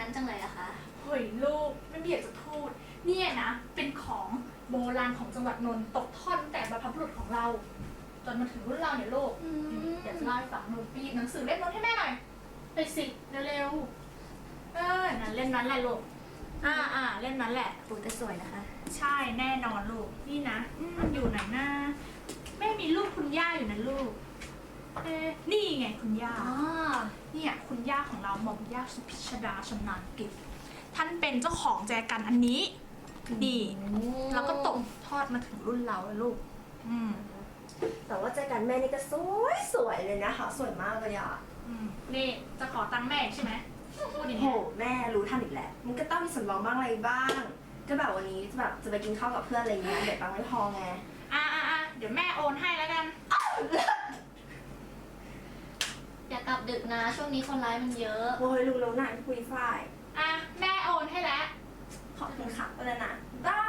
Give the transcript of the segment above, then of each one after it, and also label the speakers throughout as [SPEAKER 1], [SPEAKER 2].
[SPEAKER 1] นั้นจังเลยอะคะ
[SPEAKER 2] เฮ้ยลูกไม่มีอยากจะพูดเนี่ยนะเป็นของโบราณของจังหวัดนนท์ตกทอดตั้งแต่บรรพบุรุษของเราจนมาถึงรุ่นเราเนี่ยลูกเดี๋ยวจะเล่าให้ฟังหนูไปหยิบหนังสือเล่มนั้นให้แม่หน่อยไปสิเร็วๆนั่นเล่มนั้นแหละลูกเล่มนั้นแหละ
[SPEAKER 1] ปูแต่สวยนะคะ
[SPEAKER 2] ใช่แน่นอนลูกนี่นะมันอยู่ไหนนะแม่มีรูปคุณย่าอยู่นะลูกนี่ไงคุณย่าเนี่ยคุณย่าของเราหม่อมย่าสุพิชดาชำนาญกิจท่านเป็นเจ้าของแจกันอันนี้ดีแล้วก็ตกทอดมาถึงรุ่นเราแล้วลูก
[SPEAKER 3] แต่ว่าแจกันแม่นี่ก็สวยเลยนะคะสวยมากเลยอ่ะ
[SPEAKER 2] นี่จะขอตังค์แม่ใช่ไหมพูดอย่าง
[SPEAKER 3] โห
[SPEAKER 2] นี้
[SPEAKER 3] แม่รู้ทันอีกแหละมันก็ต้องมีสำรองบ้างอะไรบ้างก็แบบวันนี้จะไปกินข้าวกับเพื่อนอะไรเงี้ยเดี๋ยวตังค์ไม่พอไง
[SPEAKER 2] เดี๋ยวแม่โอนให้แล้วกัน
[SPEAKER 1] อย่ากลับดึกนะช่วงนี้คนร้ายมันเยอะ
[SPEAKER 3] โอ้ยรู้แล้วนะคุยฝ่าย
[SPEAKER 2] แม่โอนให้แล้ว
[SPEAKER 3] ขอบคุณค่ะไปแล้วนะได้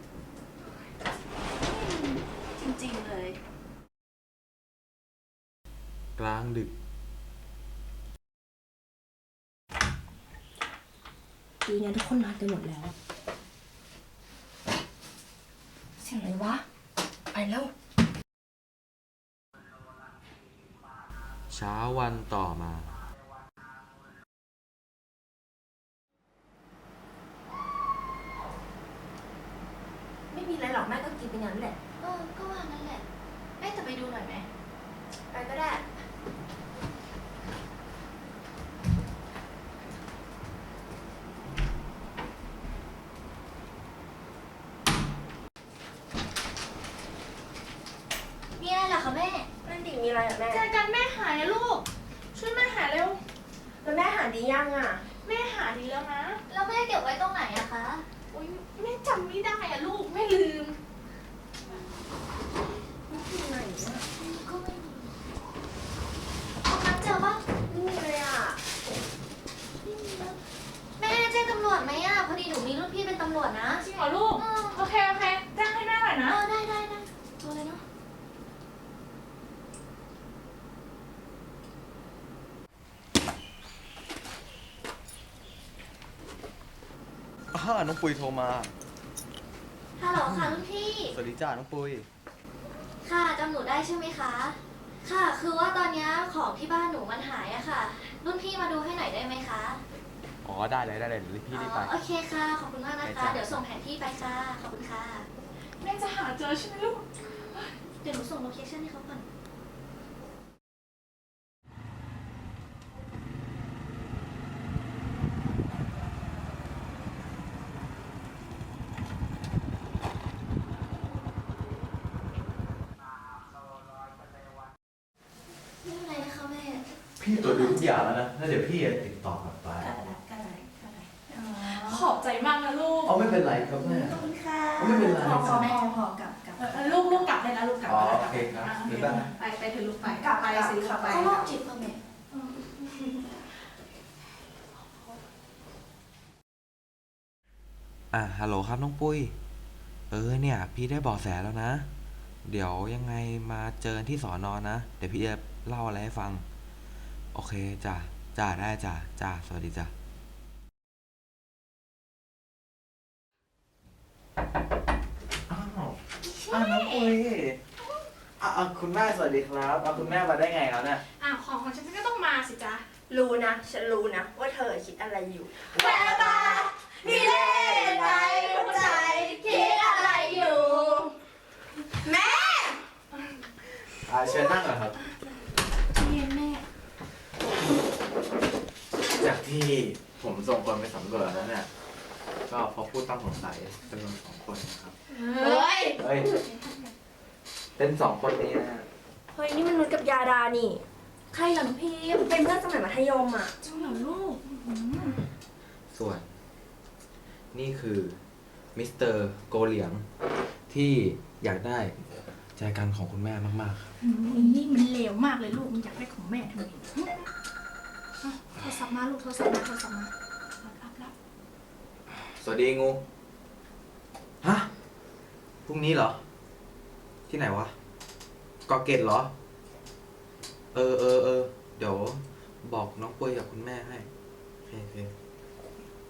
[SPEAKER 1] จริงๆเลย
[SPEAKER 4] กลางดึก
[SPEAKER 3] ดีนะทุกคนนอนกันหมดแล้วเสียงอะไรวะไปแล้ว
[SPEAKER 4] เช้าวันต่อมา
[SPEAKER 3] ไม่มีอะไรหรอกแม่ก็กินไปงั้นแหละ
[SPEAKER 1] ก็ว่างั้นแหละแม่จะไปดูหน่อยไหม
[SPEAKER 3] ไปก็ได้
[SPEAKER 1] มีอะไรเหรอคะแม่
[SPEAKER 3] นั่นดิมีอะไรอ่ะแม่
[SPEAKER 2] แจกันแม่หายนะลูกช่วยแม่หาเร็ว
[SPEAKER 3] แล้วแม่หาดียังอ่ะ
[SPEAKER 2] แม่หาดีแล้วนะ
[SPEAKER 1] แล้วแม่เก็บไว้ตรงไหนอะคะ
[SPEAKER 2] อุ้ยแม่จำไม่ได้อะลูกแม่ลืม
[SPEAKER 3] ไหนอ่ะ
[SPEAKER 1] ก็ไม่มีตรงนั้นเจอปะ
[SPEAKER 3] ไม่มีเลยอ่ะ
[SPEAKER 1] แม่แจ้งตำรวจไหมอะพอดีหนูมีรุ่นพี่เป็นตำรวจนะ
[SPEAKER 2] จริงเหรอลูกโอเคแจ้งให้แม่หน่อยนะ
[SPEAKER 1] ได้โทรเลยเนาะ
[SPEAKER 4] น้องปุยโทรมา
[SPEAKER 1] ฮัลโหลค่ะรุ่นพี่
[SPEAKER 4] สวัสดีจ้าน้องปุย
[SPEAKER 1] ค่ะจำหนูได้ใช่ไหมคะค่ะคือว่าตอนนี้ของที่บ้านหนูมันหายอะค่ะรุ่นพี่มาดูให้หน่อยได้ไหมคะ
[SPEAKER 4] อ๋อได้เลยเดี๋ยวพี่รีบไป
[SPEAKER 1] โอเคค่ะขอบคุณมากนะคะเดี๋ยวส่งแผนที่ไปค่ะขอบคุณค่ะ
[SPEAKER 2] แม่จะหาเจอใช่ไหมลูก
[SPEAKER 1] เดี๋ยวหนูส่งโลเคชั่นให้เขาก่อนไม่เป็นไรนะคะแม่
[SPEAKER 4] พี่ตรวจดูทุกอย่างแล้วนะแล้วเดี๋ยวพี่จะติดต่อกลับไป
[SPEAKER 2] ขอบใจมากนะลูก
[SPEAKER 4] ไม่เป็นไรครับแม่
[SPEAKER 3] ขอบคุณค่ะ
[SPEAKER 4] ไม่เป็นไร
[SPEAKER 3] พอกลับ
[SPEAKER 2] ลูกกลับเลยนะลูกกลับ
[SPEAKER 4] โอเคครับ
[SPEAKER 2] ไปเถอะลูกไป
[SPEAKER 3] กลับไปสิ
[SPEAKER 1] เขาโรคจิตป่ะแม่
[SPEAKER 4] ฮัลโหลครับน้องปุ้ยเนี่ยพี่ได้เบาะแสแล้วนะเดี๋ยวยังไงมาเจอที่สอนอนะเดี๋ยวพี่จะเล่าอะไรให้ฟังโอเคจ้าได้จ้าสวัสดีจ้าน้องปุ้ยคุณแม่สวัสดีครับคุณแม่มาได้ไงแล้วเนี่ย
[SPEAKER 2] ของฉันก็ต้องมาสิจ๊ะ
[SPEAKER 3] รู้นะฉันรู้นะว่าเธอคิดอะไรอยู่
[SPEAKER 1] แววตามีเล่ห์ในหัวใจคิดอะไรอยู่
[SPEAKER 3] แม่
[SPEAKER 4] เชิญนั่งก่อนครับ
[SPEAKER 1] เย็นแม่
[SPEAKER 4] จากที่ผมส่งคนไปสำรวจแล้วเนี่ยก็พบผู้ต้องสงสัยจำนวน2 คนนะครับ
[SPEAKER 3] เฮ้ย
[SPEAKER 4] เป็น2 คนนี้นะฮะ
[SPEAKER 3] เฮ้ยนี่มันนุชกับยาดานี่
[SPEAKER 1] ใครเหรอพี่
[SPEAKER 3] เป็นเพื่อนสมัยมัธยมอ่ะ
[SPEAKER 2] จริงเหรอลูก
[SPEAKER 4] ส่วนนี่คือมิสเตอร์โกเหลียงที่อยากได้ใจกันของคุณแม่มาก
[SPEAKER 2] ๆนี่มันเลวมากเลยลูกมันอยากได้ของแม่ทำไมโทรศัพท์มาลูกโทรศัพท์มารับ
[SPEAKER 4] สวัสดีงูฮะพรุ่งนี้เหรอที่ไหนวะกอเกตเหรอเดี๋ยวบอกน้องปุ้ยกับคุณแม่ให้โอเค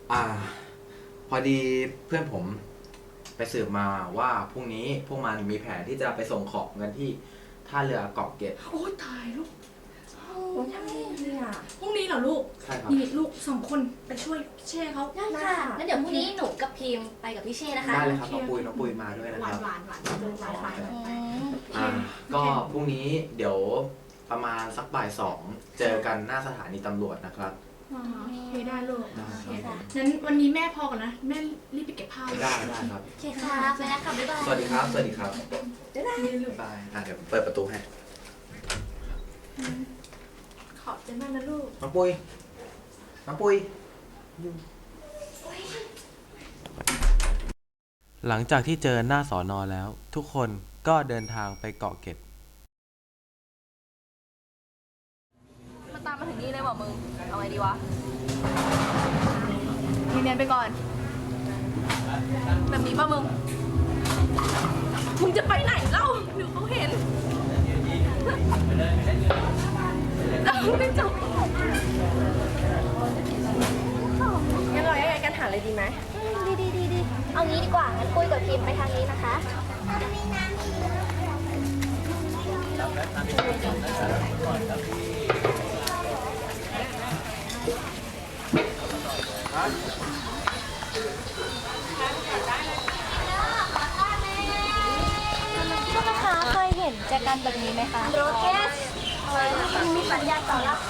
[SPEAKER 4] พอดีเพื่อนผมไปสืบมาว่าพรุ่งนี้พวกมันมีแผนที่จะไปส่งของกันที่ท่าเรือเกาะเกร็ด
[SPEAKER 2] โอ้ยตายลูก
[SPEAKER 3] โอ้ยทำไงดีอ่ะ
[SPEAKER 2] พรุ่งนี้เหรอลูก
[SPEAKER 4] ใช่ครับ
[SPEAKER 2] นี่ลูก2 คนไปช่วยเช่เขา
[SPEAKER 1] ได้ค่ะงั้นเดี๋ยวพรุ่งนี้หนูกับพิมพ์ไปกับพี่เช่นะคะ
[SPEAKER 4] ได้เลยครับน้องปุยมาด้วยนะ
[SPEAKER 2] ห
[SPEAKER 4] คว
[SPEAKER 2] า
[SPEAKER 4] รั
[SPEAKER 2] น
[SPEAKER 4] บ
[SPEAKER 2] หวานหวานหวานหวานหวาน
[SPEAKER 4] ก็พรุ่งนี้เดี๋ยวประมาณสักบ่าย 2เจอกันหน้าสถานีตำรวจนะครับ
[SPEAKER 2] โอเคได้ลูก
[SPEAKER 4] ได้
[SPEAKER 2] โอเค
[SPEAKER 4] ครับ
[SPEAKER 2] งั้นวันนี้แม่พอก่อนนะ แม่รีบไปเก็บผ้า
[SPEAKER 4] ได้ครับ
[SPEAKER 1] โอเคค่ะไปแล้วค่ะบ๊ายบาย
[SPEAKER 4] สวัสดีครับ สวัสดีครับ
[SPEAKER 2] นี่ลูก
[SPEAKER 4] บ๊ายบายเดี๋ยวเปิดประตูให้
[SPEAKER 2] ขอบใจมากนะลูก
[SPEAKER 4] น้องปุยหลังจากที่เจอหน้าสอนอแล้ว ทุกคนก็เดินทางไปเกาะเกร็ด
[SPEAKER 5] มันตามมาถึงนี่เลยว่ะมึง เอาไงดีวะเนียนๆไปก่อน แบบนี้ป่ะมึง มึงจะไปไหนเล่าเดี๋ยวเขาเห็นเราไม่จบ
[SPEAKER 3] งั้นเราแยกย้ายกันหาอะไรดีไหม
[SPEAKER 1] ดีเอางี้ดีกว่างั้นปุ้ยกับพิมพ์ไปทางนี้นะคะ พวกนะคะเคยเห็นแจกันแบบนี้ไหมคะโรเกสมีสัญญาณต่อรับ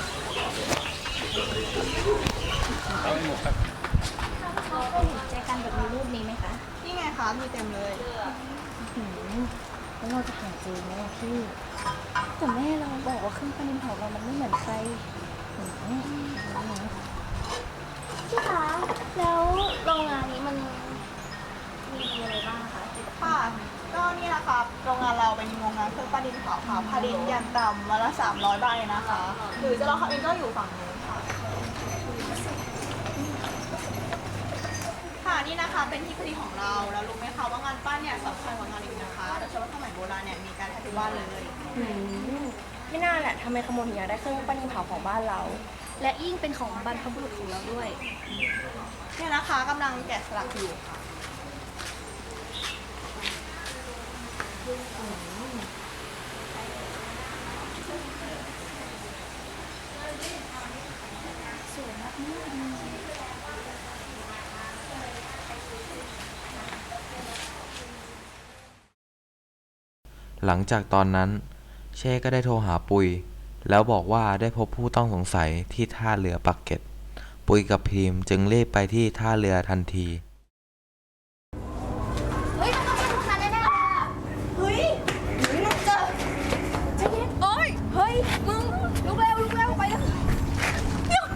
[SPEAKER 1] แจกันแบบมีรูปนี้ไหมคะ
[SPEAKER 5] นี่ไงคะ มีเต็มเลย
[SPEAKER 1] แล้วเราจะหาเจอไหมอะพี่แต่แม่เราบอกว่าเครื่องปั้นดินเผาเรามันไม่เหมือนใครพี่คะแล้วโรงงานนี้มันมีอะไรบ้างคะ
[SPEAKER 5] ค่ะ ก็นี่นะคะโรงงานเราเป็นโรงงานเครื่องปั้นดินเผาค่ะผลิตอย่างต่ำวันละ300 ใบนะคะ หรือจะรอเขาเองก็อยู่ฝั่งนู้นค่ะ ค่ะ นี่นะคะเป็นที่ผลิตของเรา แล้วรู้ไหมคะว่างานปั้นเนี่ยสำคัญกว่างานอื่นนะคะโดยเฉพาะสมัยโบราณเนี่ยมีการทำทุกวันเลย
[SPEAKER 3] ไม่น่าแหละทำไมขโมยถึงอยากได้เครื่องปั้นดินเผาของบ้านเรา
[SPEAKER 1] และยิ่งเป็นของบรรพบุรุษของเราด้วย
[SPEAKER 5] เนี่ยนะคะกำลังแกะสลักอยู่ค่ะ
[SPEAKER 4] หลังจากตอนนั้น เช่ก็ได้โทรหาปุย แล้วบอกว่าได้พบผู้ต้องสงสัยที่ท่าเรือปักเกร็ด ปุยกับพิมจึงรีบไปที่ท่าเรือทันที
[SPEAKER 1] เฮ้ยต้องเป็นลูกค้าแน่ๆเลยอะ
[SPEAKER 5] เฮ้ยมึงเจอโอ้ย เฮ้ย มึงลุกเร็วไปแล้วเดี๋ยว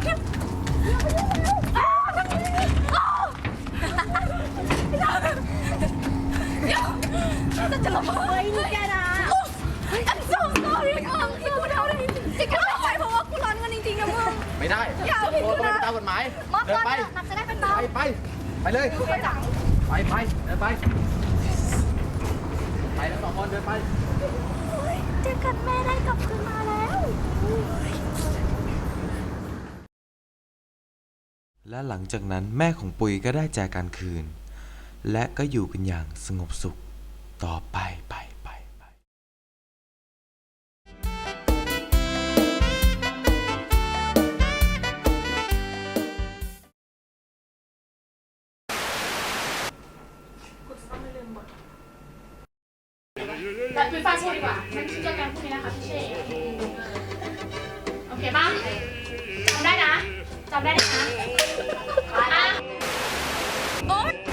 [SPEAKER 5] จะระเบิดนี่แกนะI'm so sorry มึงที่กูทำอะไรจริงๆไม่ใช่เพราะว่ากูร้อนเงินจริงๆนะมึง
[SPEAKER 6] ไม่ได้
[SPEAKER 5] อย่าผิด
[SPEAKER 6] ตัว
[SPEAKER 5] กู
[SPEAKER 6] ต้อง
[SPEAKER 5] นะ
[SPEAKER 6] ไปตามกฎหมาย
[SPEAKER 1] มอบ
[SPEAKER 6] เดิน
[SPEAKER 1] ตัว
[SPEAKER 6] ไป
[SPEAKER 1] เถอะหนักจะได้เป็นเบา
[SPEAKER 6] ไปเลย
[SPEAKER 5] ไปจัง
[SPEAKER 6] เดินไปทั้งสองคนเดินไป
[SPEAKER 1] เจอกันแม่ได้กลับคืนมาแล้ว
[SPEAKER 4] และหลังจากนั้นแม่ของปุยก็ได้แจกันคืน และก็อยู่กันอย่างสงบสุขต่อไป
[SPEAKER 2] แต่เป็นฟ้าเช่ดีกว่างั้นเจอกันพรุ่งนี้นะคะพี่เช่โอเคป่ะจำได้นะจำได้นะอ่ะ
[SPEAKER 5] โอ๊ย